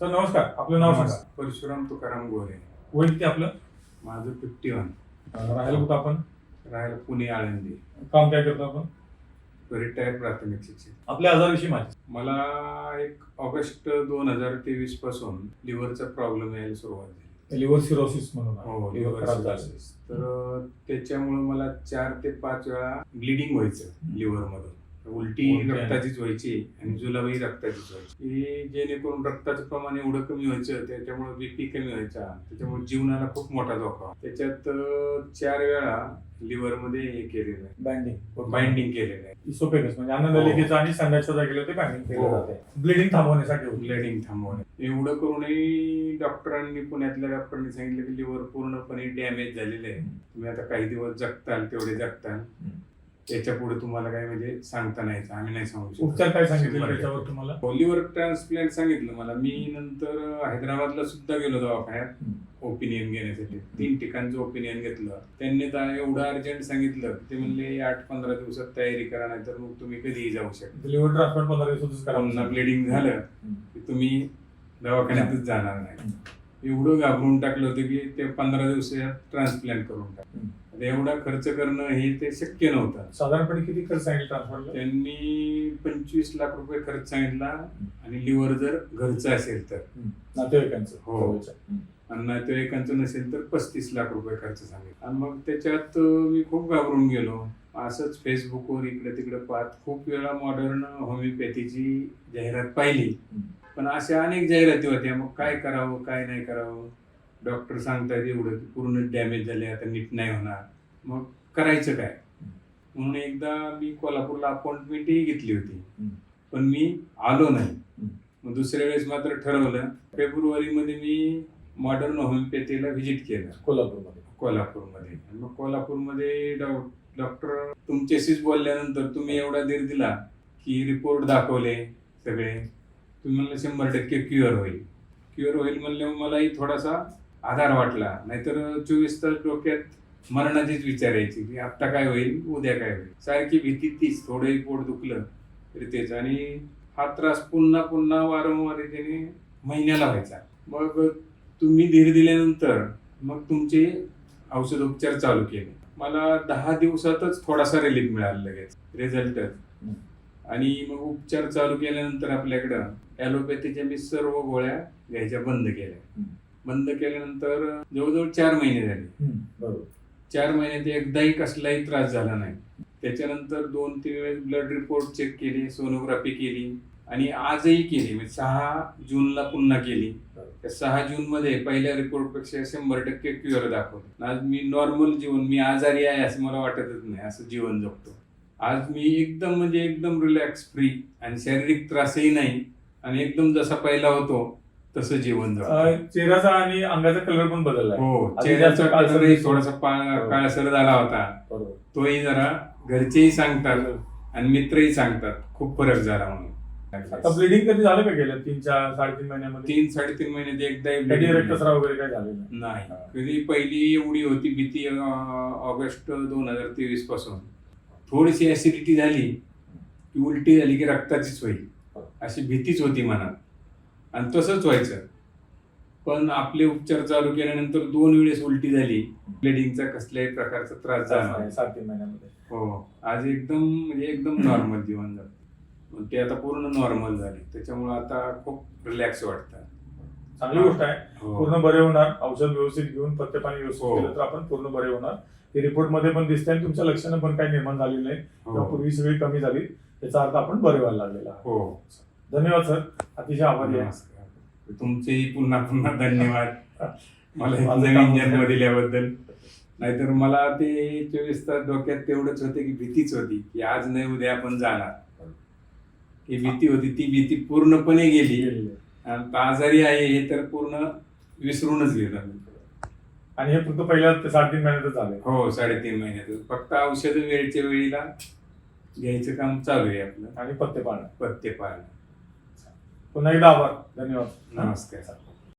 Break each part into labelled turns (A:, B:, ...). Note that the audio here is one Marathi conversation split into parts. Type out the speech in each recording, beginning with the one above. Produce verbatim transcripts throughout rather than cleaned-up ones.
A: सर नमस्कार, आपलं नाव सांगा.
B: परशुराम तुकाराम गोरे.
A: वय किती आपलं?
B: माझं फिफ्टी वन.
A: राहायला कुठं आपण?
B: राहायला पुणे आळंदी.
A: काम काय करतो आपण?
B: रिटायर प्राथमिक शिक्षक.
A: आपल्या आजाराविषयी माहिती.
B: मला एक ऑगस्ट दोन हजार तेवीस पासून लिव्हरचा प्रॉब्लेम यायला सुरुवात झाली.
A: लिव्हर सिरोसिस म्हणून.
B: हो,
A: लिव्हर
B: लिव्हर
A: खराब झालं.
B: सिरोसिस. तर त्याच्यामुळे मला चार ते पाच वेळा ब्लिडिंग व्हायचं लिव्हर मधून. उलटी रक्ताचीच व्हायची आणि जुलाबही रक्ताचीच व्हायची. ही जेणेकरून रक्ताचं प्रमाण एवढं कमी व्हायचं, त्याच्यामुळे बीपी कमी व्हायचा, त्याच्यामुळे जीवनाला खूप मोठा धोका. त्याच्यात चार वेळा लिव्हर मध्ये हे केलेलं आहे,
A: बाइंडिंग
B: बाइंडिंग केलेलं आहे.
A: इसोफेगस म्हणजे अन्ननलिकेचं आणि संडासच्या जागेला ते बाइंडिंग केलं जाते ब्लिडिंग थांबवण्यासाठी.
B: ब्लिडिंग थांबवणे. एवढं करूनही डॉक्टरांनी, पुण्यातल्या डॉक्टरांनी सांगितलं की लिव्हर पूर्णपणे डॅमेज झालेलं आहे, तुम्ही आता काही दिवस जगताल तेवढे जगताल, त्याच्या पुढे तुम्हाला काय म्हणजे सांगता नाही, आम्ही नाही सांगू शकतो.
A: उपचार काय सांगितलं त्याच्यावर तुम्हाला?
B: लिव्हर ट्रान्सप्लांट सांगितलं मला. मी नंतर हैदराबादला सुद्धा गेलो दवाखान्यात ओपिनियन घेण्यासाठी. तीन ठिकाणचं ओपिनियन घेतलं. त्यांनी तर एवढं अर्जंट सांगितलं, ते म्हणले आठ पंधरा दिवसात तयारी करा, नाही तर मग तुम्ही कधीही जाऊ शकता.
A: लिव्हर ट्रान्सप्लांट पंधरा दिवसातच करा.
B: पुन्हा ब्लिडिंग झालं की तुम्ही दवाखान्यातच जाणार नाही. एवढं घाबरून टाकलं होतं की ते पंधरा दिवसात ट्रान्सप्लांट करून टाकलं. एवढा खर्च करणं हे ते शक्य नव्हतं.
A: साधारणपणे किती खर्च सांगितलं ट्रान्सप्लांटला?
B: त्यांनी पंचवीस लाख रुपये खर्च सांगितला, आणि लिव्हर जर घरचं असेल तर.
A: नातेवाईकांचं?
B: हो. आणि नातेवाईकांचं नसेल तर पस्तीस लाख रुपये खर्च सांगितला. आणि मग त्याच्यात मी खूप घाबरून गेलो. असंच फेसबुकवर इकडे तिकडे पाहत खूप वेळा मॉडर्न होमिओपॅथीची जाहिरात पाहिली, पण अशा अनेक जाहिराती होत्या. मग काय करावं काय नाही करावं. डॉक्टर सांगतात एवढं की पूर्ण डॅमेज झाले, आता नीट नाही होणार, मग करायचं काय. म्हणून एकदा मी कोल्हापूरला अपॉइंटमेंटही घेतली होती, पण मी आलो नाही. मग दुसऱ्या वेळेस मात्र ठरवलं. फेब्रुवारी मध्ये मी मॉडर्न होमिओपॅथीला व्हिजिट केलं कोल्हापूरमध्ये. कोल्हापूरमध्ये मग कोल्हापूरमध्ये डॉक्टर तुमच्याशीच बोलल्यानंतर तुम्ही एवढा धीर दिला की रिपोर्ट दाखवले सगळे, तुम्ही म्हणलं शंभर टक्के क्युअर होईल. क्युअर होईल म्हणल्यावर मलाही थोडासा आधार वाटला. नाहीतर चोवीस तास डोक्यात मरणाचीच विचार यायची की आता काय होईल, उद्या काय होईल, सारखी भीती तीच. थोडंही पोट दुखलं तरी तेच, आणि हा त्रास पुन्हा पुन्हा वारंवार त्याने महिन्याला व्हायचा. मग तुम्ही धीर दिल्यानंतर मग तुमचे औषधोपचार चालू केले. मला दहा दिवसातच थोडासा रिलीफ मिळाला लगेच, रिझल्टच. आणि मग उपचार चालू केल्यानंतर आपल्याकडं ॲलोपॅथीच्या मी सर्व गोळ्या घ्यायच्या बंद केल्या. बंद केल्यानंतर जवळजवळ चार महिने झाले. चार महिन्यात एकदाही कसलाही त्रास झाला नाही. त्याच्यानंतर दोन तीन वेळेस ब्लड रिपोर्ट चेक केली, सोनोग्राफी केली, आणि आजही केली. म्हणजे सहा जूनला पुन्हा केली. त्या सहा जून मध्ये पहिल्या रिपोर्ट पेक्षा शंभर टक्के क्युअर दाखवलं. आज मी नॉर्मल जीवन, मी आजारी आहे असं मला वाटतच नाही, असं जीवन जगतो. आज मी एकदम म्हणजे एकदम रिलॅक्स, फ्री, आणि शारीरिक त्रासही नाही, आणि एकदम जसा पहिला होतो तसं जीवन जगतो.
A: चेहऱ्याचा आणि अंगाचा कलर पण बदलला.
B: हो, चेहऱ्याचा कलरही थोडासा काळसर झाला होता. तोही जरा घरचेही सांगतात आणि मित्रही सांगतात खूप फरक झाला म्हणून.
A: आता ब्लिडिंग कधी झालं का गेलं तीन चार साडेतीन महिन्यामध्ये?
B: तीन साडेतीन महिन्यात एकदा
A: रक्तस्राव वगैरे काय झालेलं
B: नाही. कधी पहिली एवढी होती भीती ऑगस्ट दोन हजार तेवीस पासून. थोडीशी ऍसिडिटी झाली की उलटी झाली की रक्ताचीच होईल अशी भीतीच होती मनात, आणि तसंच व्हायचं. पण आपले उपचार चालू केल्यानंतर दोन वेळेस उलटी झाली. ब्लिडिंगचा कसल्याही प्रकारचा त्रास झाला नाही
A: सात तीन महिन्यामध्ये.
B: हो, आज एकदम म्हणजे एकदम नॉर्मल जीवन जातं. ते आता पूर्ण नॉर्मल झाले, त्याच्यामुळे आता खूप रिलॅक्स वाटतं.
A: चांगली गोष्ट आहे. पूर्ण बरे होणार. औषध व्यवस्थित घेऊन पथ्य पाणी व्यवस्थित केलं तर आपण पूर्ण बरे होणार. ते रिपोर्ट मध्ये पण दिसते, आणि तुमच्या लक्षणं पण काही निर्माण झालेली नाही. पूर्वी सगळी कमी झाली, त्याचा अर्थ आपण बरे व्हायला लागलेला.
B: हो,
A: धन्यवाद सर, अतिशय आभारी आहे.
B: तुमचेही पुन्हा पुन्हा धन्यवाद मला नवीन जन्म दिल्याबद्दल. नाहीतर मला ते चोवीस तास डोक्यात तेवढंच होते की भीतीच होती की आज नाही उद्या आपण जाणार. ही भीती होती, ती भीती पूर्णपणे गेली. आजारी आहे हे तर पूर्ण विसरूनच गेलं.
A: आणि हे फक्त पहिल्या साडेतीन महिन्यातच झाले.
B: हो, साडेतीन महिन्यात. फक्त औषध वेळच्या वेळीला घ्यायचं काम चालू आहे आपलं,
A: आणि पथ्य पाळणं.
B: पथ्य पाळणं.
A: पुन्हा एकदा आभार. धन्यवाद.
B: नमस्कार.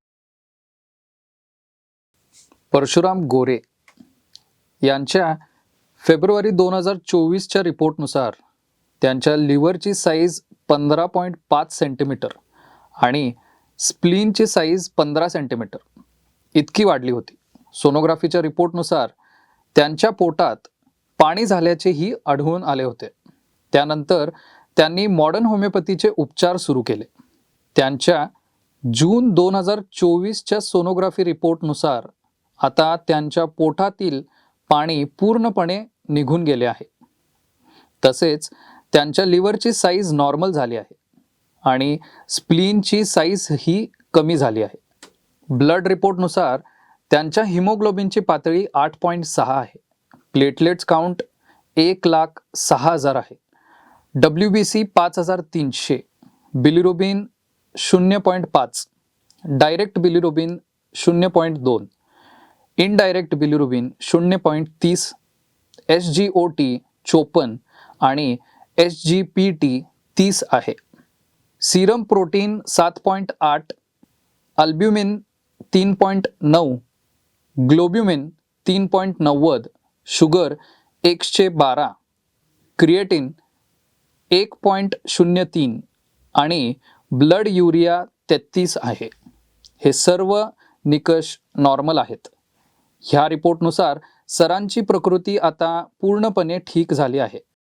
C: परशुराम गोरे यांच्या फेब्रुवारी दोन हजार चोवीसच्या रिपोर्टनुसार त्यांच्या लिव्हरची साईज पंधरा पॉईंट पाच सेंटीमीटर आणि स्प्लीनची साईज पंधरा सेंटीमीटर इतकी वाढली होती. सोनोग्राफीच्या रिपोर्टनुसार त्यांच्या पोटात पाणी झाल्याचेही आढळून आले होते. त्यानंतर त्यांनी मॉडर्न होमिओपॅथीचे उपचार सुरू केले. त्यांच्या जून दोन हजार चोवीसच्या सोनोग्राफी रिपोर्टनुसार आता त्यांच्या पोटातील पाणी पूर्णपणे निघून गेले आहे. तसेच त्यांच्या लिव्हरची साईज नॉर्मल झाली आहे आणि स्प्लीनची साईज ही कमी झाली आहे. ब्लड रिपोर्टनुसार त्यांच्या हिमोग्लोबिनची पातळी आठ पॉईंट सहा आहे. प्लेटलेट्स काउंट एक लाख सहा हजार आहे. डब्ल्यू बी सी पाच हजार तीनशे, बिलिरुबिन शून्य पॉईंट पाच, डायरेक्ट बिलिरुबिन शून्य पॉईंट दोन, इनडायरेक्ट बिलिरुबिन शून्य पॉईंट तीस, एस जी ओ टी चोपन्न आणि एस जी पी टी तीस आहे. सिरम प्रोटीन सात पॉईंट आठ, अल्ब्युमिन तीन पॉईंट नऊ, ग्लोब्युमिन तीन पॉईंट नव्वद, शुगर एकशे बारा, क्रिएटिन एक पॉईंट शून्य तीन आणि ब्लड युरिया तेहतीस आहे. हे सर्व निकष नॉर्मल आहेत. ह्या रिपोर्टनुसार सरांची प्रकृती आता पूर्णपणे ठीक झाली आहे.